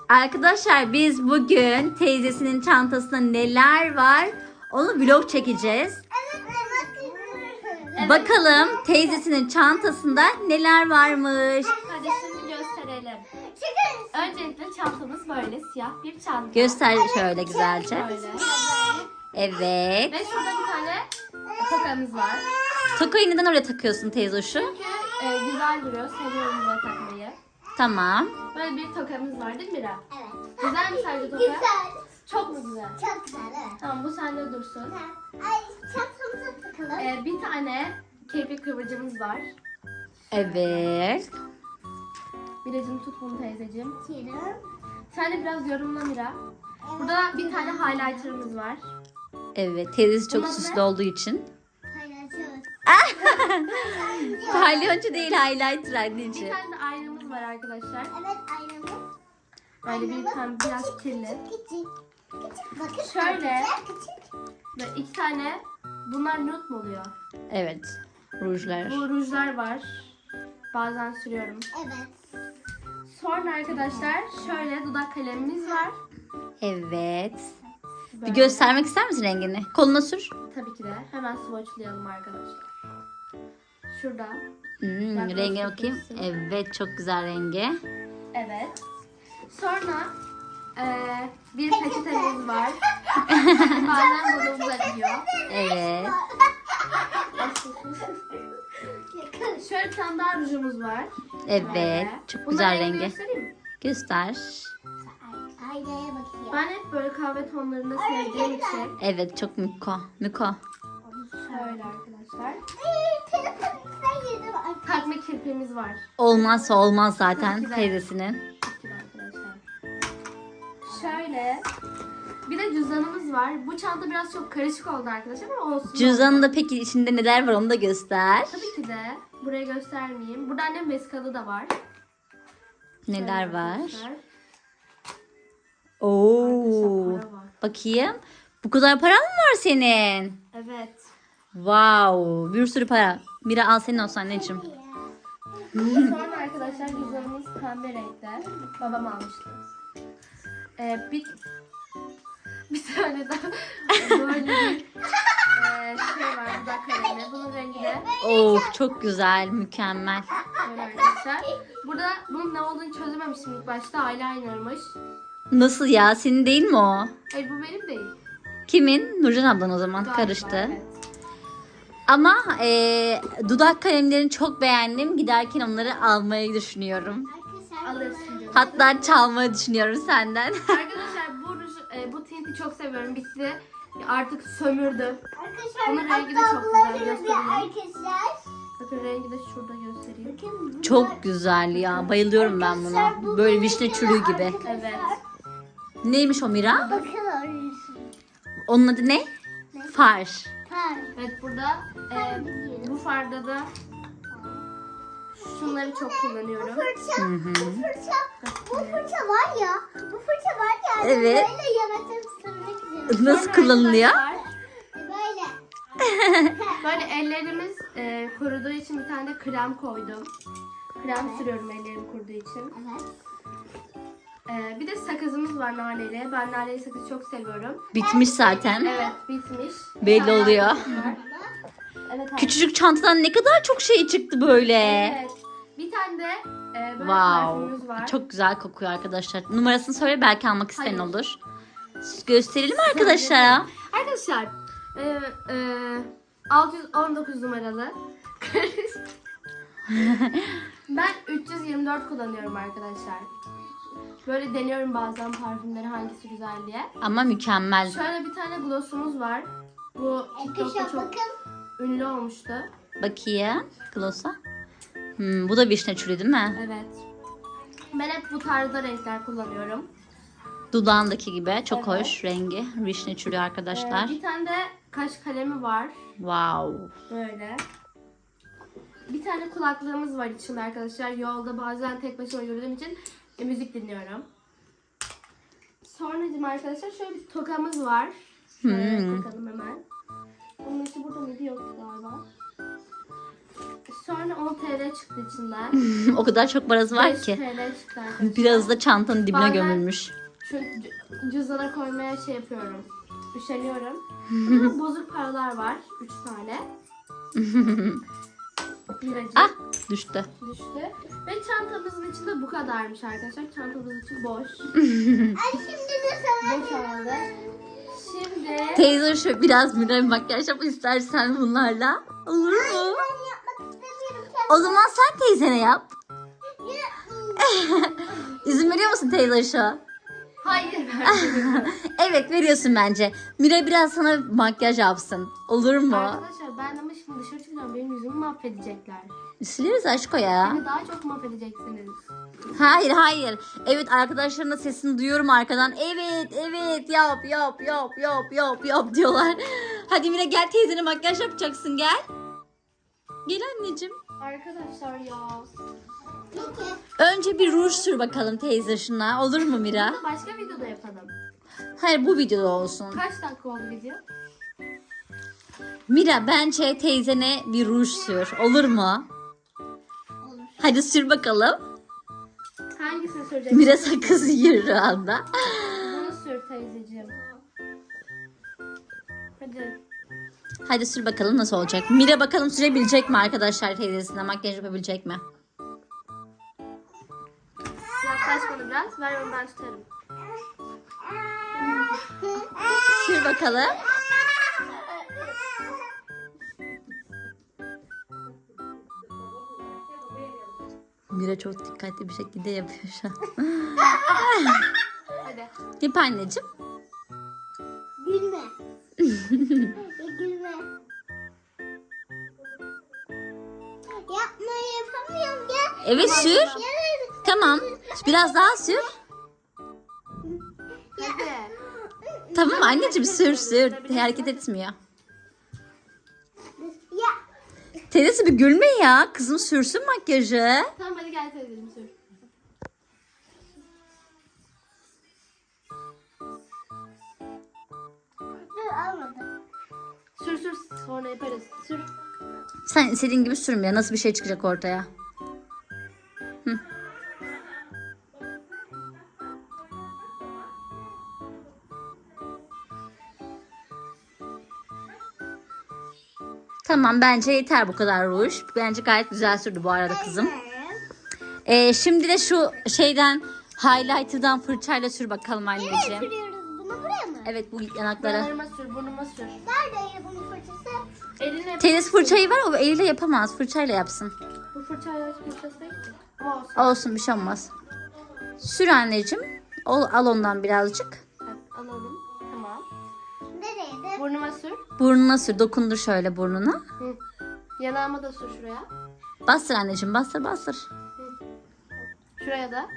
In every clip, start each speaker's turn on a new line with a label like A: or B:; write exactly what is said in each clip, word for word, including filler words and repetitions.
A: Arkadaşlar biz bugün teyzesinin çantasında neler var onu vlog çekeceğiz.
B: Evet.
A: Bakalım teyzesinin çantasında neler varmış.
B: Hadi şimdi gösterelim. Öncelikle çantamız böyle siyah bir çanta.
A: Göster şöyle güzelce.
B: Böyle.
A: Evet.
B: Ve şurada bir tane tokamız var.
A: Tokayı neden oraya takıyorsun teyzoşu?
B: Çünkü e, güzel duruyor. Seviyorum buraya takmayı.
A: Tamam.
B: Böyle bir tokamız var değil mi Mira?
C: Evet.
B: Güzel mi sence toka?
C: Güzel.
B: Çok mu güzel?
C: Çok güzel, evet.
B: Tamam, bu sende dursun.
C: Ay, çantamıza takalım.
B: E, bir tane kirpik kıvırcımız var.
A: Evet.
B: Miracığım tut bunu teyzeciğim.
C: Tiram.
B: Sen de biraz yorumla Mira. Burada bir tane highlighter'ımız var.
A: Evet. Teyzesi çok
B: Bunun adı
A: süslü
B: ne?
A: olduğu için.
C: Paylaşıyoruz.
A: Palyoncu değil highlighter
B: Bir
A: anneciğim.
B: tane de aynamız var arkadaşlar.
C: Evet, aynamız.
B: Böyle bir tane biraz kirli.
C: Küçük. Küçük. Bakın.
B: Şöyle.
C: arkadaşlar, Küçük.
B: Ve iki tane, bunlar nude mu oluyor?
A: Evet. Rujlar.
B: Bu rujlar var. Bazen sürüyorum.
C: Evet.
B: Sonra arkadaşlar şöyle dudak kalemimiz var.
A: Evet. Bir
B: Böyle.
A: göstermek ister misin rengini? Koluna sür.
B: Tabii ki de. Hemen swatchlayalım arkadaşlar. Şurada.
A: Hmm,
B: Bak,
A: renge
B: nasıl
A: bakayım.
B: yapıyorsun?
A: Evet çok güzel rengi.
B: Evet. Sonra eee, bir peçetemiz var. Bazen burnumuza gidiyor.
A: Evet.
B: Şöyle bir tane daha rujumuz var.
A: Evet.
B: Böyle.
A: Çok
B: Bunların
A: güzel
B: rengini
A: rengi.
B: göstereyim mi?
A: Göster.
C: Aynaya bakıyor.
B: Ben hep böyle kahve tonlarını sevdiğim için
A: Evet çok miko. Miko.
B: şöyle arkadaşlar.
C: Ay, telefonumuzdan yedim. Ay,
B: Takma kirpiğimiz var.
A: Olmazsa olmaz zaten
B: Çok güzel.
A: teyzesinin.
B: Çok güzel arkadaşlar. Şöyle. Bir de cüzdanımız var. Bu çanta biraz çok karışık oldu arkadaşlar ama olsun.
A: Cüzdanında peki içinde neler var onu da göster.
B: Tabii ki de. Buraya göstermeyeyim. Burada annem vesikalı da var.
A: Neler
B: Şöyle
A: var?
B: arkadaşlar.
A: Oo.
B: Arkadaşlar para var.
A: Bakayım. Bu kadar paran mı var senin?
B: Evet.
A: Wow. Bir sürü para. Mira al senin olsun anneciğim.
B: Sonra arkadaşlar cüzdanımız pembe renkte. Babam almıştı. Ee, bir bir tane daha böyle bir e, şey var, dudak kalemi. Bunun rengi de
A: Of çok güzel. Mükemmel.
B: böyle arkadaşlar. Burada bunun ne olduğunu çözememiştim ilk başta. Eyeliner'mış.
A: Nasıl ya? Senin değil mi o?
B: Hayır, bu benim değil.
A: Kimin? Nurcan ablan o zaman.
B: Galiba,
A: Karıştı.
B: evet.
A: Ama e, dudak kalemlerini çok beğendim. Giderken onları almayı düşünüyorum.
C: Arkadaşlar.
B: Alırsın canım.
A: Hatta çalmayı düşünüyorum senden.
B: Arkadaşlar bu ruj, e, bu tinti çok seviyorum. Bitti. Artık sömürdü.
C: Arkadaşlar.
B: Bunun rengi de
C: hatta
B: çok güzel,
C: bunları bir
B: göstereyim.
C: Arkadaşlar.
B: Bakın rengi de şurada göstereyim.
C: Bakın bunlar-
A: Çok güzel ya. Bayılıyorum ben
C: Arkadaşlar,
A: buna.
C: bu
A: Böyle
C: benim
A: vişne
C: de
A: çürüğü gibi.
C: arkadaşlar.
B: Evet.
A: Neymiş o Mira?
C: Bakın orası.
A: Onun adı ne? Far.
C: Tamam.
B: Evet, burada e, bu farda da şunları çok kullanıyorum.
C: Fırça,
A: Hı hı.
C: bu fırça, bu fırça var ya, bu fırça var ya.
A: Evet.
C: Böyle yemekten ısırmak üzere.
A: Nasıl kullanılıyor?
B: Arkadaşlar,
C: Böyle.
B: böyle ellerimiz e, kuruduğu için bir tane de krem koydum. Krem sürüyorum ellerim kuruduğu için.
C: Evet.
B: E, bir de sakızımız var naneli. Ben naneli sakız çok seviyorum.
A: Bitmiş zaten.
B: Evet, bitmiş.
A: Belli
B: Hala
A: oluyor.
B: var. Evet,
A: Küçücük çantadan ne kadar çok şey çıktı böyle.
B: Evet. Bir tane de e, böyle parfümümüz
A: Wow.
B: var.
A: Çok güzel kokuyor arkadaşlar. Numarasını söyle belki almak isteyen
B: Hayır.
A: olur. Gösterelim arkadaşlara.
B: Arkadaşlar e, e, altı yüz on dokuz numaralı. Ben üç yüz yirmi dört kullanıyorum arkadaşlar. Böyle deniyorum bazen parfümleri hangisi güzel diye.
A: Ama mükemmel.
B: Şöyle bir tane glossumuz var. Bu TikTok'ta
C: Arkadaşlar
B: çok
C: bakın.
B: ünlü olmuştu.
A: Bakayım. Gloss'a. Hmm, bu da vişne çürüğü değil mi?
B: Evet. Ben hep bu tarzda renkler kullanıyorum.
A: Dudağındaki gibi. Çok
B: Evet.
A: hoş rengi. Vişne çürüğü
B: Ee,
A: arkadaşlar.
B: bir tane de kaş kalemi var.
A: Wow.
B: Böyle. Bir tane kulaklığımız var içinde arkadaşlar. Yolda bazen tek başıma yürüdüğüm için e, müzik dinliyorum. Sonracığım arkadaşlar şöyle bir tokamız var. Şöyle
A: Hmm.
B: takalım hemen. Bunun içi burada mıydı? Yok galiba. Sonra on T L çıktı içinden.
A: O kadar çok parası var
B: beş
A: ki.
B: T L çıktı arkadaşlar.
A: Biraz da çantanın dibine
B: Bazen-
A: gömülmüş.
B: Şu c- cüzdana koymaya şey yapıyorum. Üşeniyorum. Burada bozuk paralar var. Üç tane. Biracık
A: Ah düştü.
B: düştü. Ve çantamızın içinde bu kadarmış arkadaşlar. Çantamızın içi boş.
C: Ay şimdi de sana
B: Boşaldı. Şimdi
A: Teyze şu biraz Mira makyaj yap istersen bunlarla. Olur mu?
C: ben yapmak istemiyorum.
A: O zaman sen teyzene yap.
C: Kendim.
A: İzin veriyor musun teyze şu?
B: hayır vermiyorum.
A: Evet veriyorsun bence. Mira biraz sana makyaj yapsın. Olur mu?
B: Arkadaşlar ben ama şimdi dışarı çıkacağım. Benim yüzümü mahvedecekler.
A: Sileriz aşko ya.
B: Beni daha çok mahvedeceksiniz.
A: Hayır hayır. Evet arkadaşlarının sesini duyuyorum arkadan. Evet evet yap yap yap yap yap yap diyorlar. Hadi Mira gel teyzene makyaj yapacaksın gel. Gel anneciğim.
B: Arkadaşlar ya.
C: Peki.
A: Önce bir ruj sür bakalım teyze şuna. Olur mu Mira?
B: Bunu başka videoda yapalım.
A: Hayır bu videoda olsun.
B: Kaç dakika oldu video?
A: Mira bence teyzene bir ruj sür. Olur mu?
C: Olur.
A: Hadi sür bakalım.
B: Hangisini süreceksin?
A: Mira sakız yiyor şu anda.
B: Bunu sür teyzeciğim. Hadi.
A: Hadi sür bakalım nasıl olacak. Mira bakalım sürebilecek mi arkadaşlar teyzesine? Makyaj yapabilecek mi?
B: Yaklaş bana biraz. Ver onu ben tutarım.
A: Sür bakalım. Mira çok dikkatli bir şekilde yapıyor şu an.
B: Hadi.
A: Yap anneciğim.
C: Gülme. Ya gülme. Yapmayı yapamıyorum ya.
A: Evet sür.
C: Ya.
A: Tamam. Biraz daha sür.
B: Hadi.
A: Tamam anneciğim sür sür. Hareket etmiyor.
C: Ya.
A: Teyzesi bir gülme ya. Kızım sürsün makyajı.
B: Tamam hadi gel teyzeciğim sür.
C: Dur almadım.
B: Sür sür sonra yaparız. Sür.
A: Sen istediğin gibi sürmüyor. Nasıl bir şey çıkacak ortaya? Hı. Tamam bence yeter bu kadar ruj. Bence gayet güzel sürdü bu arada kızım. Ee, şimdi de şu şeyden highlighter'dan fırçayla sür bakalım
C: Nereye
A: anneciğim.
C: sürüyoruz bunu buraya mı?
A: Evet bu yanaklara.
B: Yanlarıma sür, burnuma sür.
C: Nerede bunun fırçası?
B: Eline
A: Teyzesi fırçayı var o eliyle yapamaz. Fırçayla yapsın.
B: Bu fırçayla fırçası değil ki. Ama olsun.
A: Olsun bir şey olmaz. Sür anneciğim. Al, al ondan birazcık.
B: Evet, alalım. Tamam.
C: Nereye de?
B: Burnuma sür.
A: Burnuna sür. Dokundur şöyle burnuna.
B: Hı. Yanağıma da sür şuraya.
A: Bastır anneciğim. Bastır bastır.
B: Şuraya da.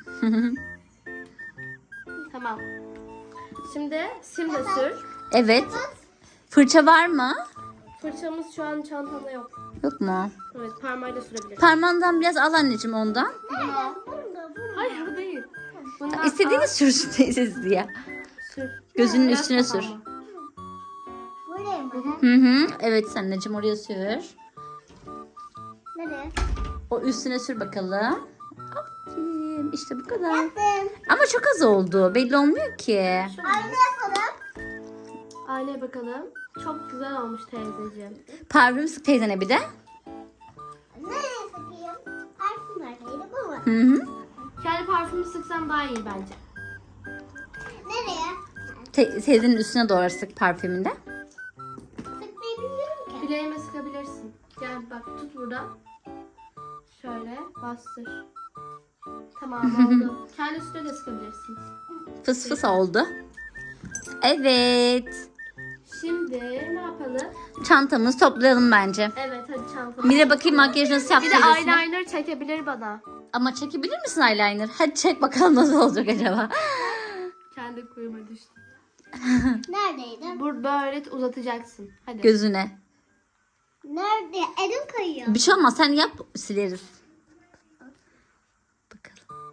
B: Tamam. Şimdi sim de sür.
A: Evet. Fırça var mı?
B: Fırçamız şu an çantamda yok.
A: Yok mu?
B: Evet parmağıyla sürebiliriz.
A: Parmağından biraz al anneciğim ondan.
B: Bunu.
C: Burada, burada.
B: Hayır bu değil. Bundan
A: İstediğini
B: al,
A: sürsün teyzesi diye.
B: sür.
A: Gözünün
B: Biraz
A: üstüne sür.
B: kafama.
C: Buraya mı?
A: Hı hı. Evet anneciğim oraya sür.
C: Nereye?
A: O üstüne sür bakalım. Aferin. İşte bu kadar.
C: Yaptım.
A: Ama çok az oldu. Belli olmuyor ki.
B: Şöyle.
C: Aynı yapalım.
B: Aynaya bakalım. Çok güzel olmuş teyzeciğim.
A: Parfüm sık teyzene bir de.
C: Nereye sıkayım? Parfüm neredeydi bu mu?
A: Hı hı.
B: Kendi parfümü sıksam daha iyi bence.
C: Nereye?
A: Te- teyzenin üstüne doğru sık parfümünde.
C: Sıkmayı bilmiyorum ki.
B: Bileğime sıkabilirsin. Gel bak tut buradan. Şöyle bastır. Tamam oldu. Kendi üstüne de sıkabilirsin.
A: Fıs fıs oldu. Evet.
B: Şimdi ne yapalım?
A: Çantamızı toplayalım bence.
B: Evet hadi çantamı.
A: Mira bakayım makyaj nasıl yaptı
B: Bir de
A: teyzesine.
B: eyeliner çekebilir bana.
A: Ama çekebilir misin eyeliner? Hadi çek bakalım nasıl olacak acaba.
B: Kendi kuyuma düştü.
C: Neredeydi?
B: Bur böyle uzatacaksın. Hadi.
A: Gözüne.
C: Nerede? Elim kayıyor.
A: Bir şey olmaz sen yap sileriz. Bakalım.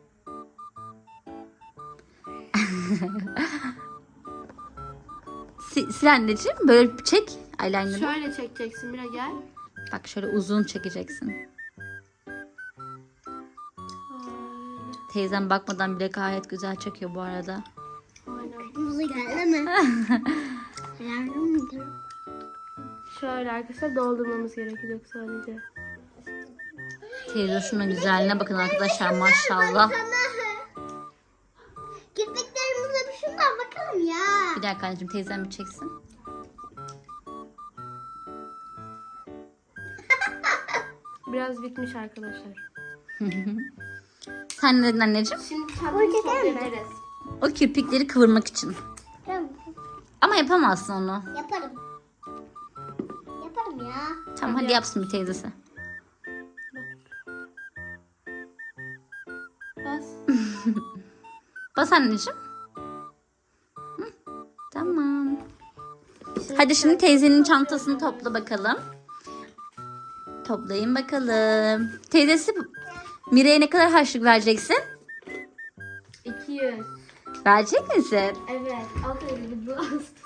A: Si- Sil anneciğim böyle çek eyeliner'ı.
B: Şöyle çekeceksin Mira gel.
A: Bak şöyle uzun çekeceksin. Teyzem bakmadan bile gayet güzel çekiyor bu arada.
B: Aynen.
C: Kırmızı geldi mi? Yardım mı?
B: Şöyle arkadaşlar doldurmamız gerekecek sadece.
A: Teyze şunun güzelliğine bakın arkadaşlar, maşallah.
C: Kirpiklerimize bir şundan bakalım ya.
A: Bir dakika anneciğim, teyzem bir çeksin.
B: Biraz bitmiş arkadaşlar.
A: Sen ne dedin anneciğim?
B: Şimdi çantamızı toplayabiliriz.
A: O kirpikleri kıvırmak için.
C: Tamam.
A: Ama yapamazsın onu.
C: Yaparım. Yaparım ya.
A: Tamam hadi yapsın bir teyzesi.
B: Bas.
A: Bas anneciğim. Hı, tamam. Hadi şimdi teyzenin çantasını topla bakalım. Toplayın bakalım. Teyzesi Mira'ya ne kadar harçlık vereceksin?
B: iki yüz.
A: Verecek misin?
B: Evet. Alt elini bas.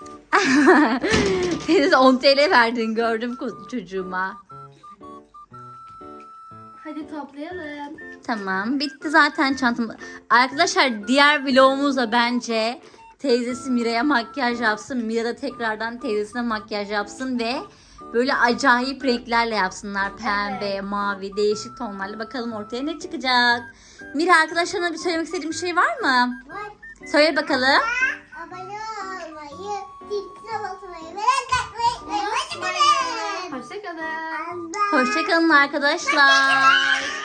A: Teyzesi on T L verdin, gördüm ko- çocuğuma.
B: Hadi toplayalım.
A: Tamam, bitti zaten çantam. Arkadaşlar diğer vlogumuzda bence teyzesi Mira'ya makyaj yapsın. Mira da tekrardan teyzesine makyaj yapsın ve böyle acayip renklerle yapsınlar. Pembe,
B: Evet.
A: mavi, değişik tonlarla. Bakalım ortaya ne çıkacak. Mira, arkadaşlarına bir söylemek istediğin bir şey var mı?
C: Var.
A: Söyle bakalım.
C: Abone olmayı, zilkine basmayı ve like atmayı unutmayın.
B: Hoşçakalın.
C: Bye.
A: Hoşçakalın arkadaşlar.